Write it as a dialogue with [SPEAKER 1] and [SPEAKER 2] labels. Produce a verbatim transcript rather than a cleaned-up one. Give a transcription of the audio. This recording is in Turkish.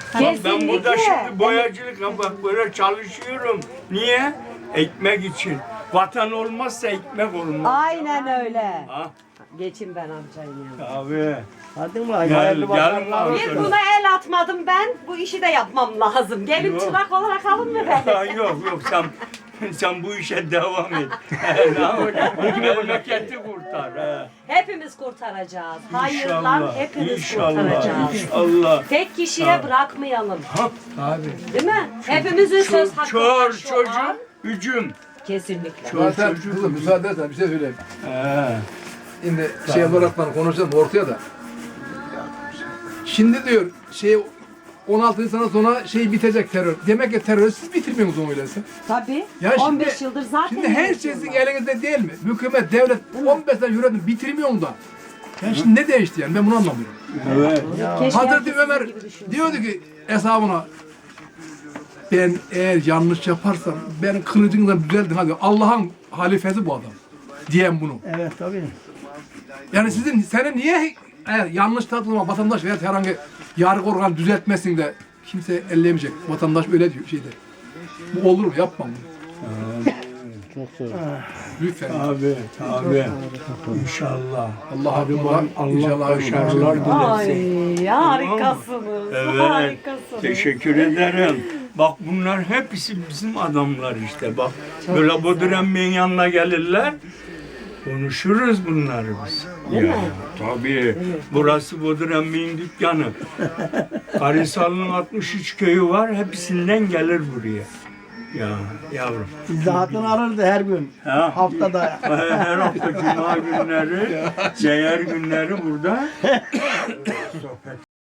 [SPEAKER 1] Bak ben
[SPEAKER 2] Kesinlikle.
[SPEAKER 1] burada şimdi boyacılık bak böyle çalışıyorum. Niye? Ekmek için. Vatan olmazsa ekmek olmaz.
[SPEAKER 2] Aynen öyle.
[SPEAKER 1] Ha?
[SPEAKER 2] Geçin ben amcayım yanına.
[SPEAKER 1] Abi.
[SPEAKER 3] Hadi mi lan?
[SPEAKER 1] Gel,
[SPEAKER 3] Hayırlı
[SPEAKER 1] gel
[SPEAKER 3] başarılar.
[SPEAKER 1] bakalım.
[SPEAKER 2] Bir buna el atmadım ben. Bu işi de yapmam lazım. Gelin
[SPEAKER 1] Yok.
[SPEAKER 2] çırak olarak alın mı beni?
[SPEAKER 1] Ha, yok yok sen sen bu işe devam et. Ne yapacağım? Memleketi kurtar. He.
[SPEAKER 2] Hepimiz kurtaracağız. Hayırla
[SPEAKER 1] İnşallah.
[SPEAKER 2] hepimiz
[SPEAKER 1] İnşallah.
[SPEAKER 2] kurtaracağız.
[SPEAKER 1] İnşallah.
[SPEAKER 2] Tek kişiye bırakmayalım.
[SPEAKER 1] Ha, abi.
[SPEAKER 2] Değil mi? Hepimizin söz hakkı
[SPEAKER 1] Çor
[SPEAKER 2] var şu
[SPEAKER 1] çocuğum,
[SPEAKER 2] an.
[SPEAKER 1] hücum.
[SPEAKER 2] Kesinlikle.
[SPEAKER 1] Çor
[SPEAKER 4] Zaten
[SPEAKER 1] çocuğum.
[SPEAKER 4] kızım müsaade edersen bir şey söyleyeyim.
[SPEAKER 1] He.
[SPEAKER 4] Şimdi şey olarak ben konuşacağım ortaya da. Şimdi diyor şey on altı Nisan'dan sonra şey bitecek terör. Demek ki terörü siz bitirmiyorsunuz onu öyleyse.
[SPEAKER 2] Tabii.
[SPEAKER 4] Ya şimdi-
[SPEAKER 2] on beş yıldır zaten.
[SPEAKER 4] Şimdi her şey sizin
[SPEAKER 2] yönetiyorlar.
[SPEAKER 4] elinizde değil mi? Hükümet, devlet on beş sene yönetim bitirmiyor da. Yani şimdi ne değişti yani ben bunu anlamıyorum.
[SPEAKER 1] Evet.
[SPEAKER 2] Keşke
[SPEAKER 4] Hazreti
[SPEAKER 2] herkes
[SPEAKER 4] Ömer
[SPEAKER 2] sizin gibi düşünse.
[SPEAKER 4] diyordu ki hesabına ben eğer yanlış yaparsam ben kılıcınla düzeldim hadi Allah'ın halifesi bu adam diyen bunu.
[SPEAKER 3] Evet tabii.
[SPEAKER 4] Yani sizin senin niye eğer yanlış tatlıma vatandaş veya herhangi yargı organı düzeltmesin de kimse elleyemeyecek. Vatandaş öyle diyor şeyde. Bu olur mu? Yapma bunu.
[SPEAKER 3] Çok zor.
[SPEAKER 4] Lütfen.
[SPEAKER 1] Abi, abi. İnşallah.
[SPEAKER 4] Allah adına
[SPEAKER 1] Allah
[SPEAKER 4] inşallah
[SPEAKER 1] başarılar
[SPEAKER 2] Ay
[SPEAKER 1] dilesin.
[SPEAKER 2] harikasınız.
[SPEAKER 1] Evet.
[SPEAKER 2] Harikasınız.
[SPEAKER 1] Teşekkür ederim. Bak bunlar hepsi bizim adamlar işte bak. Böyle Bodrum Bey'in yanına gelirler. Konuşuruz bunları biz.
[SPEAKER 2] Değil
[SPEAKER 1] ya,
[SPEAKER 2] mi?
[SPEAKER 1] Tabii. Burası Bodrum Bey'in dükkanı. Karisalı'nın altmış üç köyü var. Hepsinden gelir buraya. Ya yavrum.
[SPEAKER 3] İzahatını alırdı her gün.
[SPEAKER 1] Ha?
[SPEAKER 3] Haftada.
[SPEAKER 1] Her hafta cuma günleri, seher günleri burada sohbet